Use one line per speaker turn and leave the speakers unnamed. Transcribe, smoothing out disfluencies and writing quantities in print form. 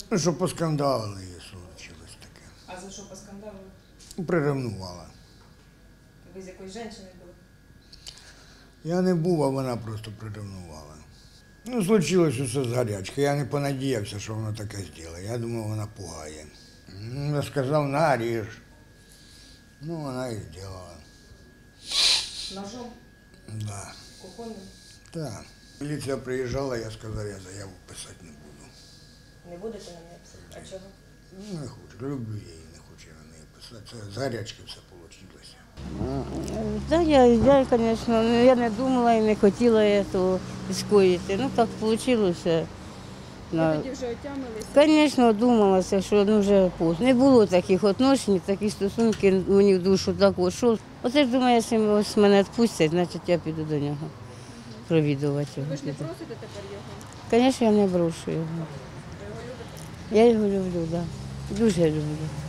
Ну, що поскандалили, і случилось таке.
А за що поскандалили?
Приревнувала.
Ви з якоюсь жінкою були?
Я не був, а вона просто приревнувала. Ну, случилось усе з гарячки. Я не понадіявся, що вона таке зробить. Я думав, вона пугає. Я сказав, наріж. Ну, вона і зробила.
Ножом?
Да.
Кухонним?
Так. Міліція приїжджала, я сказав, я заяву писати не буду.
Не будете на неї писати? А чого?
Ну, не хочу. Люблю її, не хочу на неї писати. Це з гарячки все вийшло.
Да, звісно, я не думала і не хотіла цього скоїти. Ну так вийшло.
Ви тоді вже отямилися?
Звісно, думалася, що вже поздно. Не було таких відносин, таких стосунків мені в душу так що. Оце ж думаю, якщо ось мене відпустять, значить я піду до нього провідувати його.
Ви ж не просите тепер його?
Звісно, я не брошу його.
Ви його любите?
Я його люблю, так. Да. Дуже люблю.